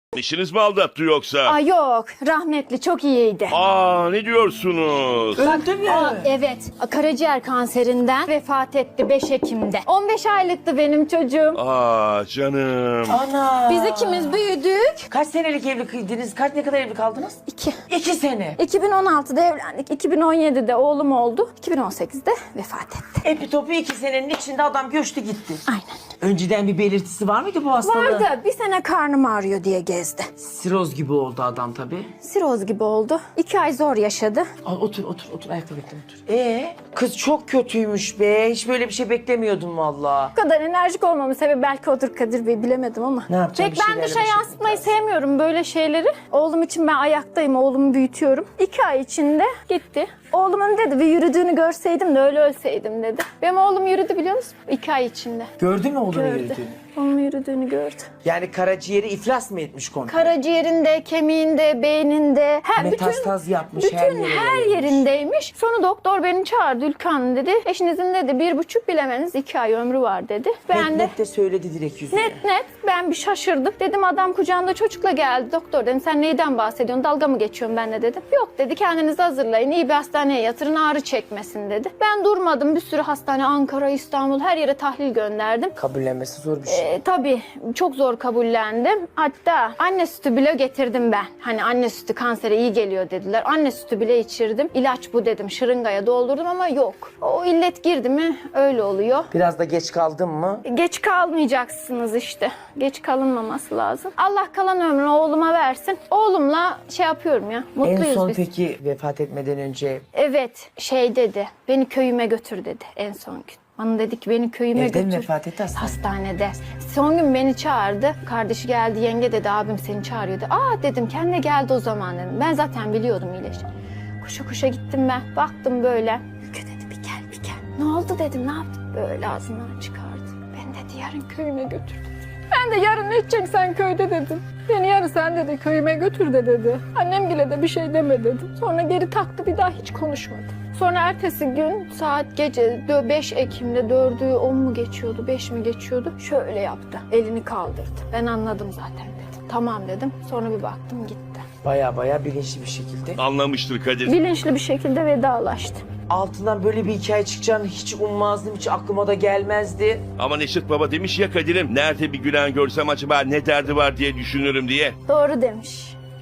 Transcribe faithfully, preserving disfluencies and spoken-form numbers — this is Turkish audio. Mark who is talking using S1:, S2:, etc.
S1: İşiniz mi aldattı yoksa?
S2: Aa, yok, rahmetli çok iyiydi.
S1: Aa, ne diyorsunuz?
S3: Öldü mü?
S2: Aa, evet, karaciğer kanserinden vefat etti beş Ekim'de. on beş aylıktı benim çocuğum.
S1: Aa canım.
S3: Ana.
S2: Biz ikimiz büyüdük.
S3: Kaç senelik evliydiniz? Kaç ne kadar evli kaldınız?
S2: İki.
S3: İki sene.
S2: iki bin on altıda evlendik. iki bin on yedide oğlum oldu. iki bin on sekizde vefat etti.
S3: Epitopu iki senenin içinde adam göçtü gitti.
S2: Aynen.
S3: Önceden bir belirtisi var mıydı bu hastalığın?
S2: Vardı. Bir sene karnım ağrıyor diye gezdi.
S3: Siroz gibi oldu adam tabii.
S2: Siroz gibi oldu. İki ay zor yaşadı.
S3: Al, otur otur otur ayakta bekle otur. Ee, kız çok kötüymüş be. Hiç böyle bir şey beklemiyordum valla.
S2: Bu kadar enerjik olmamın sebebi belki odur Kadir Bey, bilemedim ama.
S3: Ne yapacağım,
S2: Pek
S3: bir
S2: ben
S3: şeylerle
S2: dışa
S3: baş
S2: yansıtmayı
S3: etmek lazım.
S2: sevmiyorum böyle şeyleri. Oğlum için ben ayaktayım, oğlumu büyütüyorum. İki ay içinde gitti. Oğlumun dedi bir yürüdüğünü görseydim de öyle ölseydim dedi. Benim oğlum yürüdü biliyor musun? İki ay içinde.
S3: Gördün mü oğlunu
S2: Gördü.
S3: yürüdüğünü?
S2: Onun yürüdüğünü gördü.
S3: Yani karaciğeri iflas mı etmiş komple?
S2: Karaciğerinde, kemiğinde, beyninde, her
S3: Metastaz
S2: bütün,
S3: yapmış,
S2: bütün
S3: her yere
S2: her
S3: yayılmış.
S2: yerindeymiş. Sonra doktor beni çağırdı, Ülkan dedi. Eşinizin dedi bir buçuk bilemeniz iki ay ömrü var dedi. Ben
S3: Net
S2: de
S3: net de söyledi direkt yüzüne.
S2: net net ben bir şaşırdım. Dedim adam kucağında çocukla geldi. Doktor dedim sen neyden bahsediyorsun? Dalga mı geçiyorsun benimle dedim. Yok dedi kendinizi hazırlayın. İyi bir hastaneye yatırın ağrı çekmesin dedi. Ben durmadım. Bir sürü hastane Ankara, İstanbul her yere tahlil gönderdim.
S3: Kabullenmesi zor bir şey.
S2: E, tabii çok zor kabullendim. Hatta anne sütü bile getirdim ben. Hani anne sütü kansere iyi geliyor dediler. Anne sütü bile içirdim. İlaç bu dedim. Şırıngaya doldurdum ama yok. O illet girdi mi öyle oluyor.
S3: Biraz da geç kaldın mı?
S2: Geç kalmayacaksınız işte. Geç kalınmaması lazım. Allah kalan ömrünü oğluma versin. Oğlumla şey yapıyorum ya. Mutluyuz
S3: En son
S2: biz.
S3: peki vefat etmeden önce
S2: Evet şey dedi. Beni köyüme götür dedi en son gün. Bana dedi ki beni köyüme
S3: evde mi
S2: götür.
S3: vefat etti aslında?
S2: Hastanede. Son gün beni çağırdı. Kardeşi geldi, yenge dedi abim seni çağırıyordu. Aa dedim kendine geldi o zaman dedim. Ben zaten biliyordum iyileşti. Koşa koşa gittim ben. Baktım böyle. Ülke dedi bir gel bir gel. Ne oldu dedim ne yaptın? Böyle ağzından çıkardı. Ben dedi yarın köyüme götür dedi. Ben de yarın ne edeceksin sen köyde dedim. Beni yarın sen dedi köyüme götür de dedi. Annem bile de bir şey deme dedim. Sonra geri taktı bir daha hiç konuşmadı. Sonra ertesi gün saat gece beş Ekim'de dördü on mu geçiyordu beş mi geçiyordu şöyle yaptı. Elini kaldırdı. Ben anladım zaten dedim. Tamam dedim. Sonra bir baktım gitti.
S3: baya baya bilinçli bir şekilde.
S1: Anlamıştır Kadir.
S2: Bilinçli bir şekilde vedalaştı.
S3: Altından böyle bir hikaye çıkacağını hiç ummazdım, hiç aklıma da gelmezdi.
S1: Ama Neşet Baba demiş ya Kadir'im, nerede bir gülen görsem acaba ne derdi var diye düşünürüm diye.
S2: Doğru demiş.